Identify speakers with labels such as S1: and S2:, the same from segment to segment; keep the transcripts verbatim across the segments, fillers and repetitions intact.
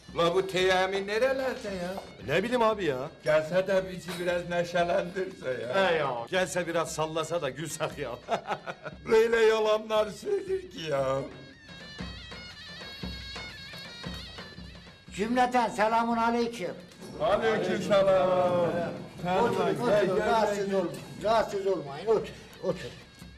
S1: La bu Teyami nerelerde ya?
S2: Ne bileyim abi ya.
S1: Gelse de bizi biraz neşelendirse ya.
S2: He ya. Gelse biraz sallasa da gülsek ya.
S1: Böyle yalanlar söyler ki ya.
S3: Cümleten selamun aleyküm.
S1: Aleykümselam.
S3: Oturun, oturun, rahatsız olmayın, rahatsız olmayın, otur, otur.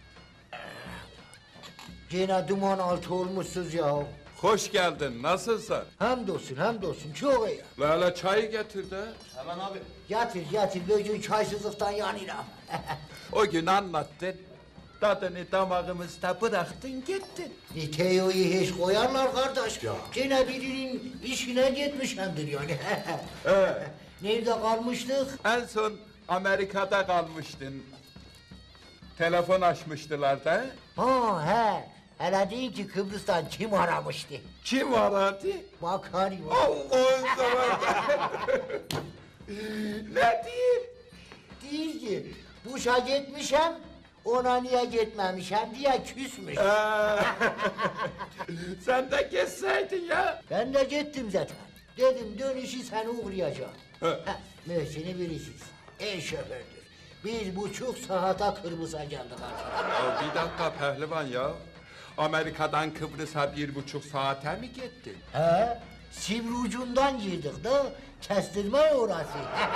S3: Yine duman altı olmuşsuz ya.
S1: Hoş geldin, nasılsın?
S3: Hamdolsun, hamdolsun, çok iyi.
S1: Lala çayı getir de.
S2: Hemen abi.
S3: Yatır, yatır, bugün çaysızlıktan yanıram.
S1: O gün anlattın. Tadını damağımızda bıraktın gittin.
S3: E, Teo'yu hiç koyarlar kardeş. Ya. Yine birinin işine gitmişemdir yani.
S1: He.
S3: Nerede kalmıştık?
S1: En son Amerika'da kalmıştın. Telefon açmıştılar da.
S3: Ha he. Hele deyin ki Kıbrıs'tan kim aramıştı?
S1: Kim aradı?
S3: Bakar yok.
S1: Allah'ın zamanı. Ne diyeyim?
S3: Değil ki Buş'a gitmişem, ona niye gitmemişem diye küsmüş.
S1: Ee, Sen de geçseydin ya.
S3: Ben de gittim zaten. Dedim dönüşü seni uğrayacağım.
S1: He.
S3: Heh, Möhsin'i bilirsiniz. En şofördür. Bir buçuk saate Kıbrıs'a geldik artık.
S1: Ya bir dakika pehlivan ya. Amerika'dan Kıbrıs'a bir buçuk saate mi gittin?
S3: He, sivri ucundan girdik de kestirme orası.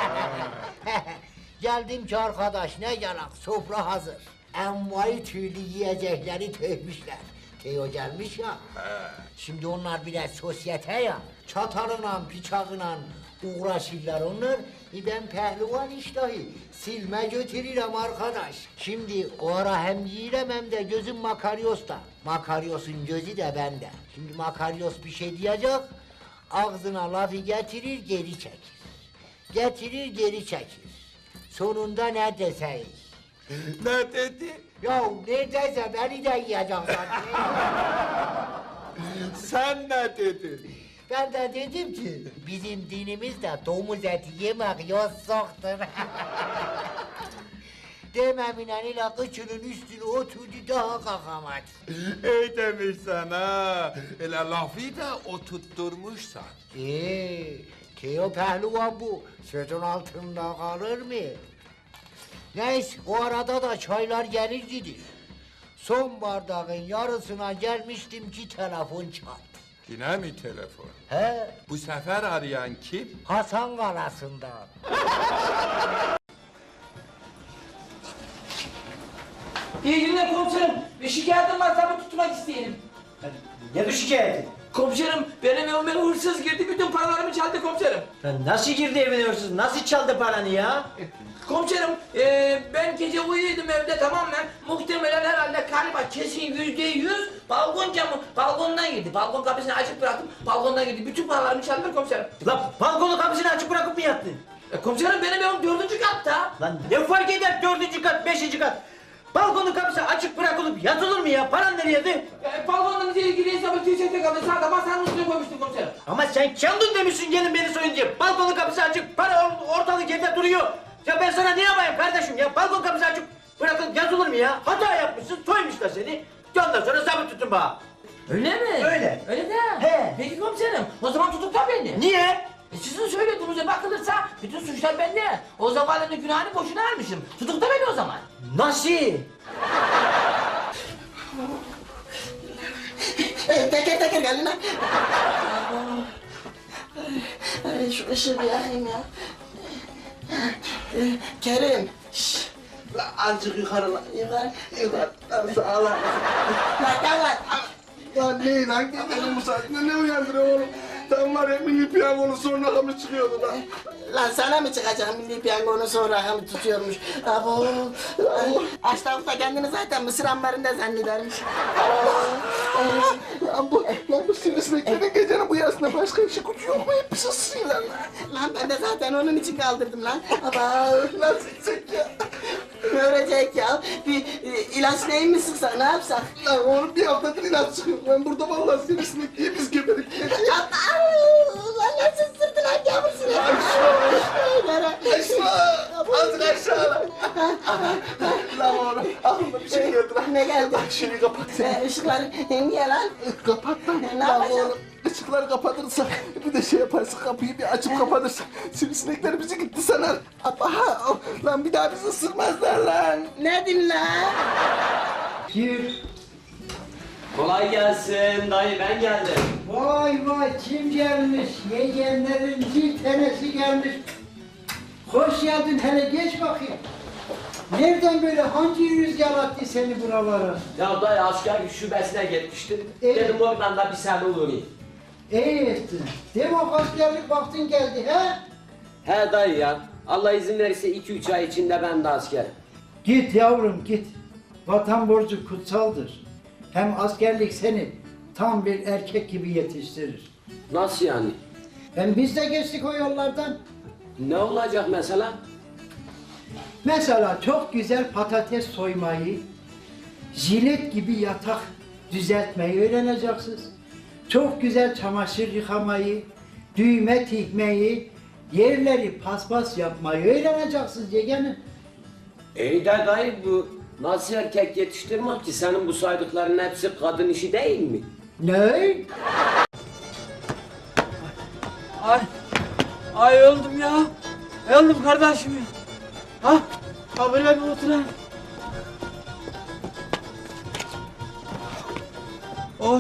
S3: Geldim ki arkadaş ne yalan sofra hazır. Envai türlü yiyecekleri tökmüşler. Teo gelmiş ya. Şimdi onlar biraz sosyete ya. Çatalıyla, bıçağıyla uğraşırlar onlar. E ben pehlivan iştahı silme götürürüm arkadaş. Şimdi o ara hem yiyirem hem de gözüm Makaryos'ta. Makaryos'un gözü de bende. Şimdi Makaryos bir şey diyecek. Ağzına lafı getirir geri çekir. Getirir geri çekir. Sonunda ne deseyik?
S1: Ne dedi?
S3: Ya neredeyse beni de yiyecek zaten.
S1: Sen ne dedin?
S3: Ben de dedim ki bizim dinimizde domuz eti yemek yasakdır. Dememinen ile kıçının üstüne oturdu daha kalkamadı.
S1: İyi demişsen ha. Öyle lafı da oturtturmuşsan.
S3: Ee, Teo pehlivan bu. Sözün altında kalır mı? Neyse o arada da çaylar gelir gidir. Son bardağın yarısına gelmiştim ki telefon çaldı.
S1: Yine mi telefon?
S3: He,
S1: Bu sefer arayan kim?
S3: Hasan Kalası'ndan.
S4: İyi günler komiserim. Bir şikayetim var tabii tutmak isteyelim.
S5: Ne bu şikayeti?
S4: Komiserim benim evime hırsız girdi bütün paralarımı çaldı komiserim.
S5: Lan nasıl girdi evine hırsız? Nasıl çaldı paranı ya?
S4: Komiserim e, ben gece uyuyordum evde tamamen muhtemelen herhalde galiba kesin yüzde yüz balkon camı balkondan girdi. Balkon kapısını açık bıraktım balkondan girdi. Bütün paralarımı çaldılar komiserim.
S5: Lan balkonu kapısını açık bırakıp mı yattın?
S4: E, komiserim benim evim dördüncü katta.
S5: Lan ne fark eder dördüncü kat, beşinci kat? Balkonun kapısı açık bırakılıp yatılır mı ya? Paran nereydi?
S4: E, balkondan ilgili hesabı tüysete kaldı sağda masanın üstüne koymuştum komiserim.
S5: Ama sen kendin demişsin gelin beni soyun diye. Balkonun kapısı açık, para or- ortalık yerde duruyor. Ya ben sana ne yapayım kardeşim ya? Balkon kapısı açık bırakılıp yatılır mı ya? Hata yapmışsın, soymuşlar seni. Ondan sonra zabıt tutun bana.
S4: Öyle mi?
S5: Öyle.
S4: Öyle de.
S5: He.
S4: Peki komiserim o zaman tutukla beni.
S5: Niye?
S4: E sizin söylediğinize bakılırsa bütün suçlar bende. O zavalının günahını boşuna almışım. Tutukla beni o zaman.
S5: Nasıl?
S6: Teker teker gelin lan. Ay, şu ışığı bir yakayım ya. Ee, Kerim. Şşş. La azıcık yukarı lan. Yukarı. Yukarı. Lan sağ ol lan. Lan gel lan.
S7: Ya ne lan gecenin bu saatinde ne uyandırıyor oğlum? Tam var ya milli piyangonun son rakamı çıkıyordu lan.
S6: Lan sana mı çıkacak milli piyangonun son rakamı tutuyormuş. Abo. Aştavuk da kendini zaten Mısır ambarında zannedermiş.
S7: Lan bu, lan bu sivrisineklerin gecenin bu yarısında başka bir şey kutu yok mu? Hep sızsınlar lan.
S6: Lan ben de zaten onun için kaldırdım lan. Aba.
S7: Nasıl gidecek ya?
S6: Ne ölecek ya? Bir e, ilaç neyi mi sıksak ne yapsak?
S7: Lan oğlum bir haftadır ilaç çıkıyor. Ben burada vallahi sivrisinek diye biz geberip gideceğiz.
S6: Aba. Lan nasıl sırtın lan yavrusunu?
S7: Aşağı. Azıcık aşağı. Lan oğlum aklıma bir şey geldi lan.
S6: Ne geldi?
S7: Bak şunu kapat sen.
S6: Ee, ışıkları niye lan?
S7: Kapat lan.
S6: Ne
S7: Lan
S6: yapacağım?
S7: oğlum. ışıkları kapatırsa, bir de şey yaparsa kapıyı bir açıp kapatırsa sivrisinekler bizi gitti sanar. Aha, lan bir daha bizi ısırmazlar lan.
S6: Ne din lan?
S3: Gir.
S5: Kolay gelsin dayı, ben geldim.
S3: Vay vay kim gelmiş? Yeğenlerin bir tanesi gelmiş. Hoş geldin hele geç bakayım. Nereden böyle hangi rüzgar attı seni buralara?
S5: Ya dayı askerlik şubesine gitmiştim.
S3: Evet.
S5: Dedim oradan da bir sene uğrayayım.
S3: İyi ettin. Demek askerlik vaktin geldi he?
S5: He dayı ya, Allah izin verirse iki üç ay içinde ben de askerim.
S3: Git yavrum git. Vatan borcu kutsaldır. Hem askerlik seni tam bir erkek gibi yetiştirir.
S5: Nasıl yani?
S3: Hem biz de geçtik o yollardan.
S5: Ne olacak mesela?
S3: Mesela çok güzel patates soymayı, jilet gibi yatak düzeltmeyi öğreneceksiniz. Çok güzel çamaşır yıkamayı, düğme tikmeyi, yerleri paspas yapmayı öğreneceksiniz yeğenim.
S5: İyi de dayı, bu nasıl erkek yetiştirmek ki? Senin bu saydıkların hepsi kadın işi değil mi?
S3: Ne?
S4: Ay, ay öldüm ya. Öldüm kardeşim ya. Ha, ha böyle bir oturayım. Oy.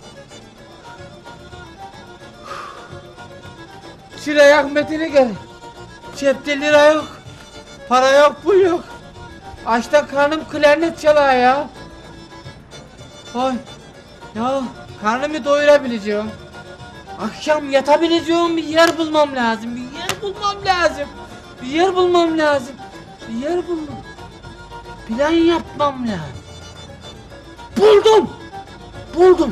S4: Şuraya Ahmet'ine gel. Cepte lira yok. Para yok, pul yok. Açta karnım klarnet çalıyor ya. Oy. Ya karnımı doyurabileceğim. Akşam yatabileceğim bir yer bulmam lazım. Bir yer bulmam lazım. Bir yer bulmam lazım. Bir yer bulmam. Plan yapmam lazım. Buldum. Buldum.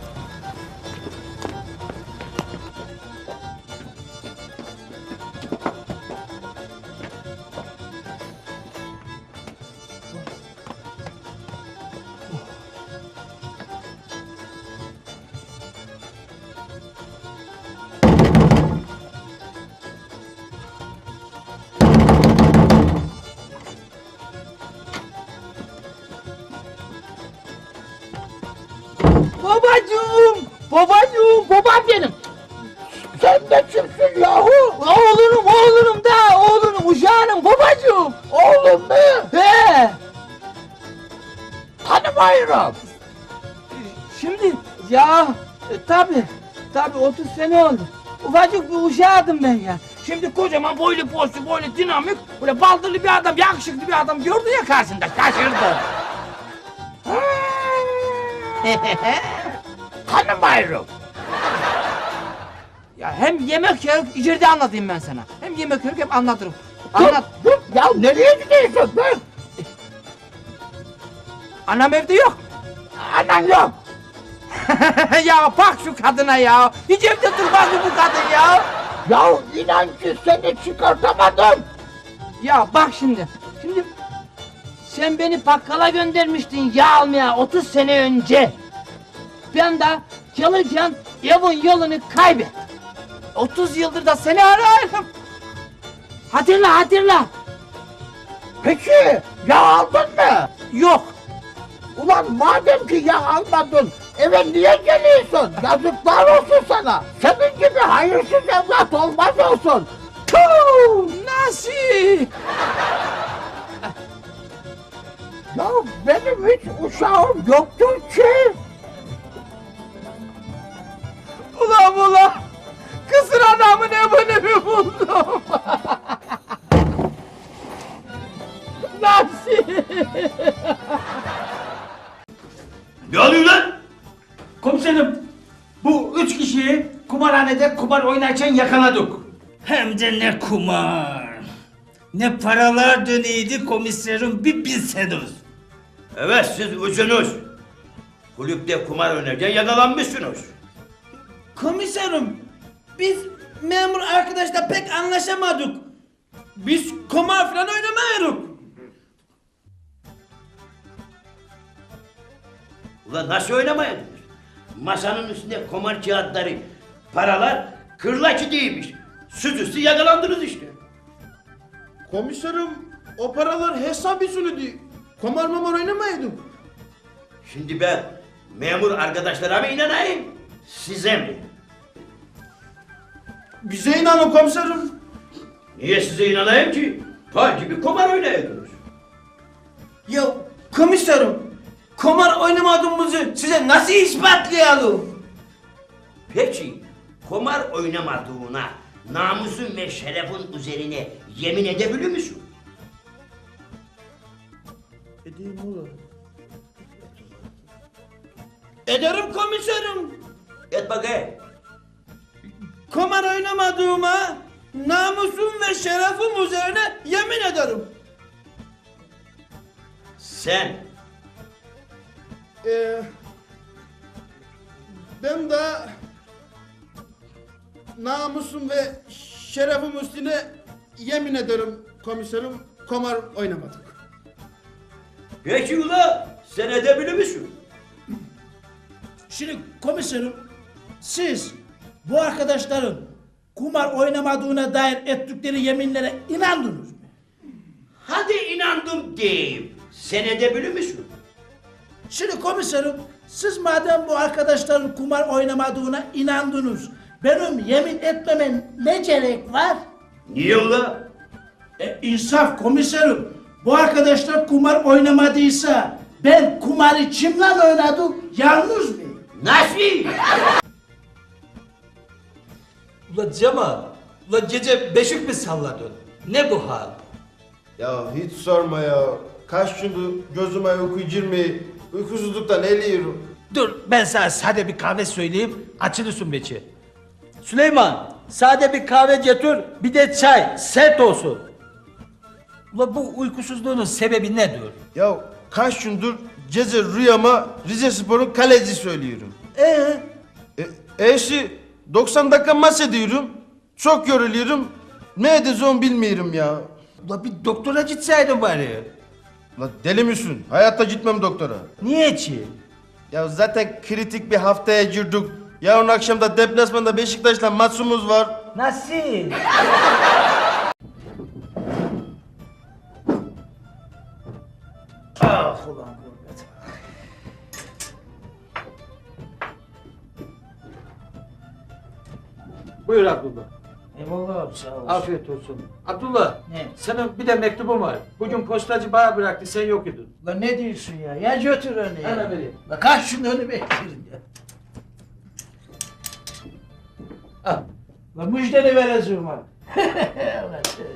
S4: Babacığım! Babacığım! Babam benim!
S6: Sen de kimsin yahu?
S4: Oğlunum, oğlunum da! Oğlunum, uşağınım babacığım!
S6: Oğlum mu?
S4: He!
S6: Tanımıyorum.
S4: Şimdi ya e, tabi tabi otuz sene oldu. Ufacık bir uşağıydım ben ya. Şimdi kocaman boylu poslu boylu dinamik böyle baldırlı bir adam yakışıklı bir adam gördü ya karşında şaşırdı.
S6: Tanımıyorum.
S4: Ya hem yemek yiyoruz içeride anlatayım ben sana. Hem yemek yiyoruz hem anlatırım. Anlat.
S6: Dur, dur. Ya nereye gidiyorsun ben?
S4: Anam evde yok.
S6: Anan yok.
S4: Ya bak şu kadına ya. Hiç evde durmaz mı bu kadın ya?
S6: Ya inan ki seni çıkartamadım.
S4: Ya bak şimdi. Şimdi sen beni bakkala göndermiştin yağ almaya otuz sene önce. Ben de çalışan evin yolunu kaybettim. otuz yıldır da seni arıyorum. Hatırla hatırla.
S6: Peki ya aldın mı?
S4: Yok.
S6: Ulan madem ki ya almadın eve niye geliyorsun? Yazıklar olsun sana. Senin gibi hayırsız evlat olmaz olsun.
S4: Tuh, nasıl?
S6: Ya benim hiç uşağım yoktur ki.
S4: Ulan ulan. Kısır adamın evini buldum. Nasıl?
S8: Ne oluyor lan?
S5: Komiserim, bu üç kişiyi kumarhanede kumar oynarken yakaladık.
S8: Hem de ne kumar. Ne paralar döneydi komiserim bir bilseniz. Evet siz üçünüz. Kulüpte kumar oynarken yakalanmışsınız.
S9: Komiserim, biz memur arkadaşla pek anlaşamadık. Biz kumar falan oynamıyoruz.
S8: Ulan nasıl oynamayın? Masanın üstünde kumar kağıtları, paralar kırlaçı değilmiş. Siz üstü yakalandınız işte.
S9: Komiserim, o paralar hesap usulüydü. Kumar mamar oynamaydık.
S8: Şimdi ben memur arkadaşlara mı inanayım, size mi?
S9: Bize inanın komiserim.
S8: Niye size inanayım ki? Fal gibi kumar oynayordunuz.
S5: Ya komiserim, kumar oynamadığımızı size nasıl ispatlayalım?
S8: Peki, kumar oynamadığına namusun ve şerefin üzerine yemin edebilir misin?
S5: Edeyim oğlum. Ederim komiserim.
S8: Et bakayım.
S5: Kumar oynamadığıma namusum ve şerefim üzerine yemin ederim.
S8: Sen
S9: Ee, ben de namusum ve şerefim üstüne yemin ederim komiserim, kumar oynamadık.
S8: peki ula sen edebilir misin?
S10: Şimdi komiserim, siz bu arkadaşların kumar oynamadığına dair ettikleri yeminlere inandınız mı?
S8: Hadi inandım diyeyim. Sen edebilir misin?
S10: Şimdi komiserim, siz madem bu arkadaşların kumar oynamadığına inandınız, benim yemin etmeme ne gerek var?
S8: Niye ula?
S10: E, insaf komiserim, bu arkadaşlar kumar oynamadıysa ben kumarı kimle oynadım, yalnız mı?
S8: Nasıl?
S5: Ula Cemal, ula gece beşik mi salladın? Ne bu hal?
S2: Ya hiç sorma ya. Kaç gündür gözüme uyku girmiyor. Uykusuzluktan eliyorum.
S5: Dur ben sana sade bir kahve söyleyeyim, açılırsın beçi. Süleyman, sade bir kahve getir, bir de çay, sert olsun. Ula bu uykusuzluğunun sebebi nedir?
S2: Ya kaç gündür gece rüyama Rize Spor'un kaleci söylüyorum.
S5: Ee?
S2: E, eşi doksan dakika maç ediyorum. Çok yoruluyorum. Ne edeceğim bilmiyorum ya.
S5: Ula bir doktora gitseydin bari.
S2: La deli misin? Hayatta gitmem doktora.
S5: Niye ki?
S2: Ya zaten kritik bir haftaya girdik. Yarın akşam da deplasmanda Beşiktaş'la maçımız var.
S5: Nasıl? Ah ulan gurbet. Buyur Abdullah.
S10: Eyvallah abi, sağ olasın.
S5: Afiyet olsun. Abdullah,
S10: Ne?
S5: senin bir de mektubun var. Bugün postacı bana bıraktı, sen yok idin.
S10: Lan ne diyorsun ya? Ya götür onu ya.
S5: Hemen vereyim.
S10: La kaç şunu önü beklerim ya.
S5: Al.
S10: La müjdeni vereceğim ha. Allah seni.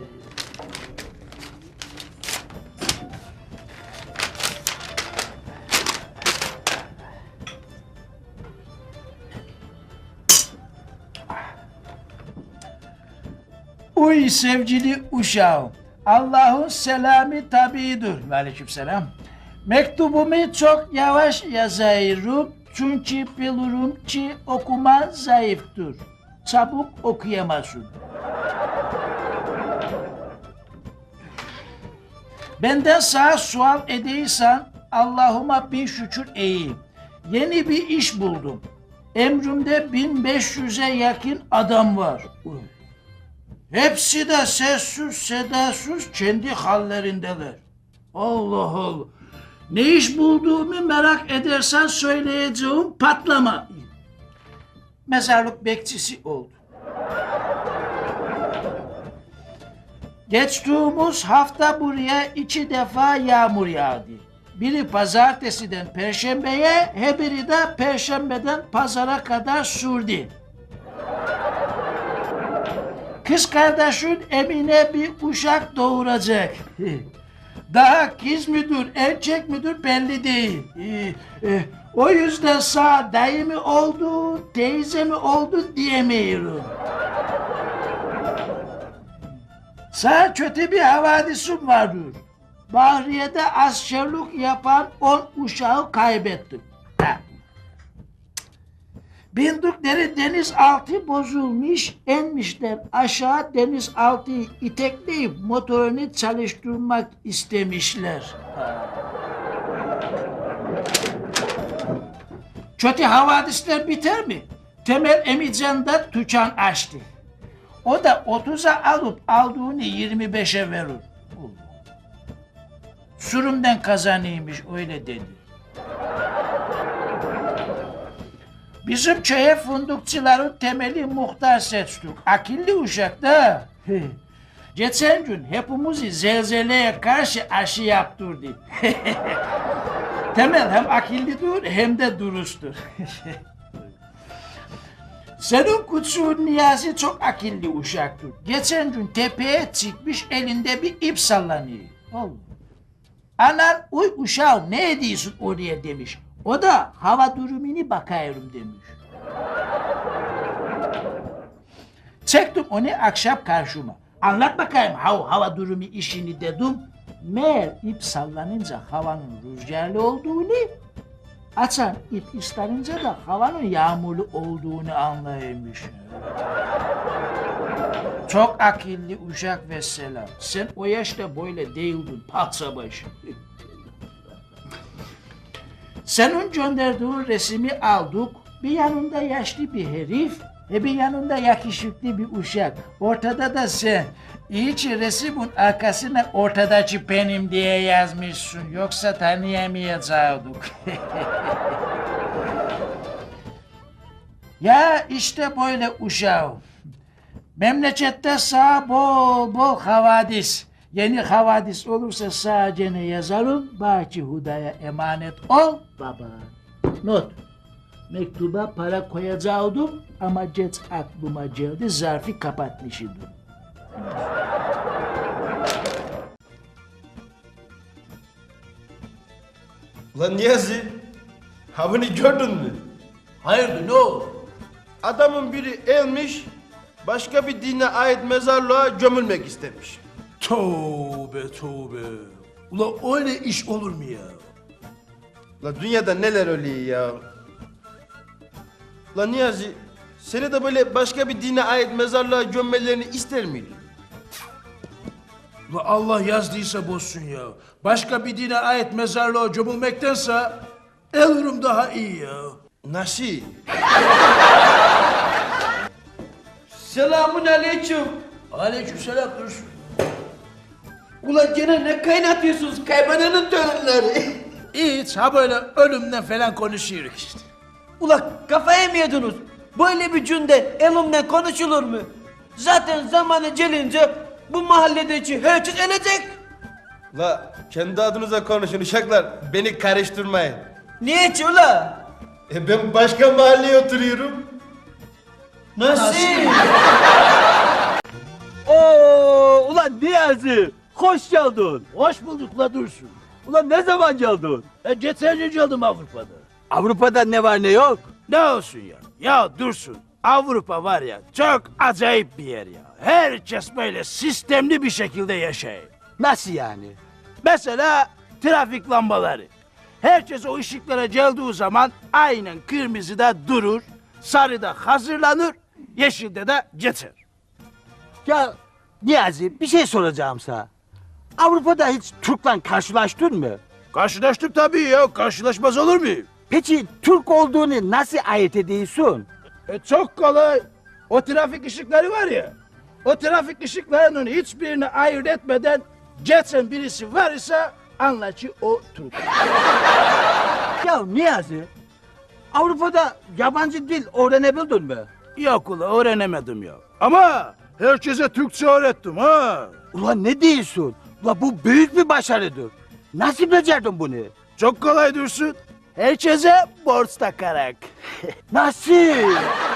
S10: Uy sevgili uşağım, Allah'ın selamı tabidir. Aleykümselam. Mektubumu çok yavaş yazıyorum çünkü bilirim ki okuma zayıftır. Çabuk okuyamazsın. Benden sana sual edeysen Allah'ıma bin şükür iyiyim. Yeni bir iş buldum. Emrimde bin beş yüze yakın adam var. Uy. Hepsi de sessiz sedasız kendi hallerindeler. Allah Allah. Ne iş bulduğumu merak edersen söyleyeceğim patlama. Mezarlık bekçisi oldu. Geçtiğimiz hafta buraya iki defa yağmur yağdı. Biri pazartesiden perşembeye, hebiri de perşembeden pazara kadar sürdü. Kız kardeşin Emine bir uşak doğuracak. Daha kız müdür, erkek müdür belli değil. Ee, e, o yüzden sağ dayı mı oldu, teyze mi oldu diyemiyorum. Sağ kötü bir havadisim vardır. Bahriye'de askerlik yapan on uşağı kaybettim. Ha. Bindikleri denizaltı bozulmuş, enmişler aşağı denizaltıyı itekleyip motorunu çalıştırmak istemişler. Kötü havadisler biter mi? Temel Emican'da tüccar açtı. O da otuza alıp aldığını yirmi beşe verir. Sürümden kazanıymış öyle dedi. Bizim köye fındıkçıların temeli muhtar seçtik. Akıllı uşak da. Geçen gün hepimizi zelzeleye karşı aşı yaptırdı. Temel hem akıllıdır hem de dürüsttür. Senin küçüğün Niyazi çok akıllı uşaktır. Geçen gün tepeye çıkmış elinde bir ip sallanıyor. Allah. Anan uy uşağım ne ediyorsun oraya demiş. O da hava durumunu bakıyorum demiş. Çektim onu akşam karşıma. Anlat bakayım hav hava durumu işini dedim. Meğer ip sallanınca havanın rüzgarlı olduğunu, açan ip ıslanınca da havanın yağmurlu olduğunu anlaymış. Çok akıllı uşak vesselam. Sen o yaşta böyle değildin patsa başı. Senin gönderdiğin resmi aldık. Bir yanında yaşlı bir herif, e bir yanında yakışıklı bir uşak. Ortada da sen. İyi ki resmin arkasına ortadaki benim diye yazmışsın. Yoksa tanıyamayacaktık. Ya işte böyle uşağım. Memlekette sağ bol bol havadis. Yeni havadis olursa sadece ne yazarım? Baki Huda'ya emanet ol baba. Not. Mektuba para koyacaktım ama geç aklıma geldi, zarfı kapatmışım.
S2: Lan Niyazi, ha bunu gördün mü?
S10: Hayırdır ne oldu?
S2: Adamın biri elmiş, başka bir dine ait mezarlığa gömülmek istemiş.
S9: Tövbe tövbe. Ula öyle iş olur mu ya?
S2: La dünyada neler oluyor ya? La Niyazi, seni de böyle başka bir dine ait mezarlığa gömmelerini ister miydin?
S9: Ula Allah yazdıysa bozsun ya. Başka bir dine ait mezarlığa gömülmektense ölürüm daha iyi ya.
S2: Nasıl?
S5: Selamun aleyküm.
S10: Aleykümselam Dursun.
S5: Ulan gene ne kaynatıyorsunuz kaybananın torunları?
S10: Hiç ha böyle ölümden falan konuşuyoruz işte.
S5: Ulan kafaya mı yediniz? Böyle bir günde elimle konuşulur mu? Zaten zamanı gelince bu mahalledeki herkes ölecek.
S2: La kendi adınıza konuşun uşaklar, beni karıştırmayın.
S5: Niye ki ula?
S2: E ben başka mahalleye oturuyorum.
S5: Nasıl? Oo, ulan Niyazi, hoş geldin.
S10: Hoş bulduk la Dursun.
S5: Ulan ne zaman geldin?
S10: E geçen gün geldim Avrupa'da.
S5: Avrupa'da ne var ne yok?
S10: Ne olsun ya? Ya Dursun, Avrupa var ya çok acayip bir yer ya. Herkes böyle sistemli bir şekilde yaşayır.
S5: Nasıl yani?
S10: Mesela trafik lambaları. Herkes o ışıklara geldiği zaman aynen kırmızıda durur, sarıda hazırlanır, yeşilde de geçer.
S5: Ya Niyazi bir şey soracağım sana. Avrupa'da hiç Türk'le karşılaştın mı?
S10: Karşılaştık tabii ya, karşılaşmaz olur muyum?
S5: Peki Türk olduğunu nasıl ayırt ediyorsun?
S10: E çok kolay. O trafik ışıkları var ya, o trafik ışıklarının hiçbirini ayırt etmeden geçen birisi var ise anla ki o Türk.
S5: Ya Niyazi, Avrupa'da yabancı dil öğrenebildin mi?
S10: Yok ula öğrenemedim ya. Ama herkese Türkçe öğrettim ha.
S5: Ulan ne diyorsun? Ulan bu büyük bir başarıdır. Nasıl becerdin bunu?
S10: Çok kolay Dursun. Herkese borç takarak.
S5: Nasıl?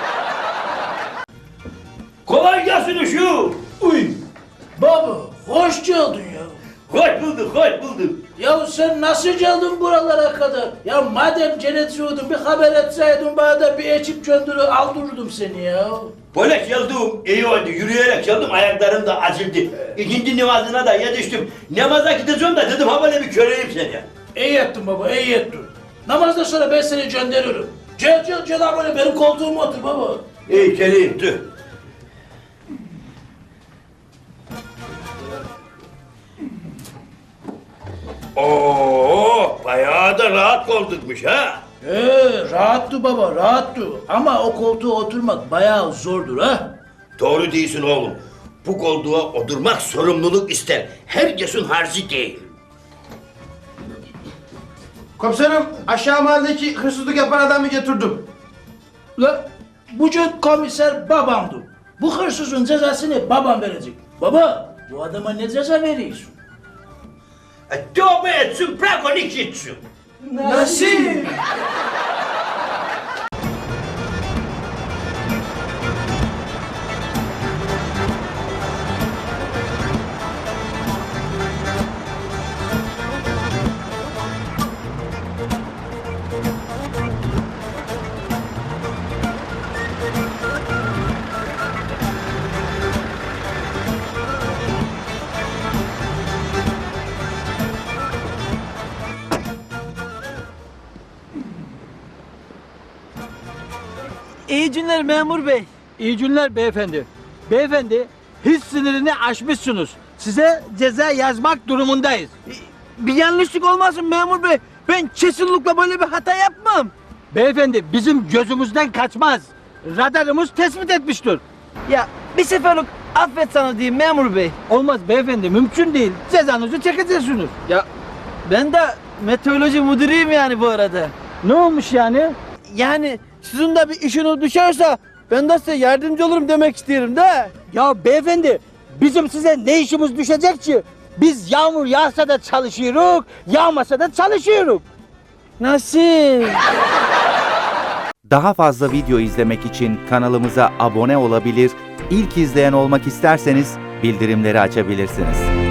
S8: Kolay gelsin uşu.
S10: Uy. Baba hoş geldin ya.
S8: Hoş bulduk, hoş bulduk.
S10: Ya sen nasıl geldin buralara kadar? Ya madem cennetliyordun bir haber etseydin bana da bir ekip gönderir aldırırdım seni ya.
S8: Böyle geldim, iyi oldu. Yürüyerek geldim, ayaklarım da acıldı. İkinci namazına da yetiştim. Namaza gideceğim de dedim ha böyle bir köreyim seni.
S10: İyi ettin baba, iyi ettin. Namazdan sonra ben seni gönderirim. Gel gel gel ha böyle benim koltuğuma otur baba.
S8: İyi geleyim, dur. Oo, bayağı da rahat koltukmuş ha.
S10: Ee, rahattı baba, rahattı. Ama o koltuğa oturmak bayağı zordur ha.
S8: Doğru değilsin oğlum. Bu koltuğa oturmak sorumluluk ister. Herkesin harcı değil.
S2: Komiserim, aşağı mahalledeki hırsızlık yapan adamı getirdim.
S10: La bugün komiser babamdı. Bu hırsızın cezasını babam verecek. Baba bu adama ne ceza veriyorsun?
S8: E, tövbe etsin, bırak onu gitsin.
S10: Nasıl?
S5: İyi günler memur bey.
S11: İyi günler beyefendi. Beyefendi, hız sınırını aşmışsınız. Size ceza yazmak durumundayız.
S5: Bir yanlışlık olmasın memur bey. Ben kesinlikle böyle bir hata yapmam.
S11: Beyefendi, bizim gözümüzden kaçmaz. Radarımız tespit etmiştir.
S5: Ya bir seferlik affet sana diyeyim memur bey.
S11: Olmaz beyefendi, mümkün değil. Cezanızı çekeceksiniz.
S5: Ya ben de meteoroloji müdürüyüm yani bu arada.
S11: Ne olmuş yani?
S5: Yani sizin de bir işiniz düşerse ben de size yardımcı olurum demek isterim de.
S11: Ya beyefendi, bizim size ne işimiz düşecek ki? Biz yağmur yağsa da çalışıyoruz, yağmasa da çalışıyoruz.
S5: Nasıl?
S12: Daha fazla video izlemek için kanalımıza abone olabilir, ilk izleyen olmak isterseniz bildirimleri açabilirsiniz.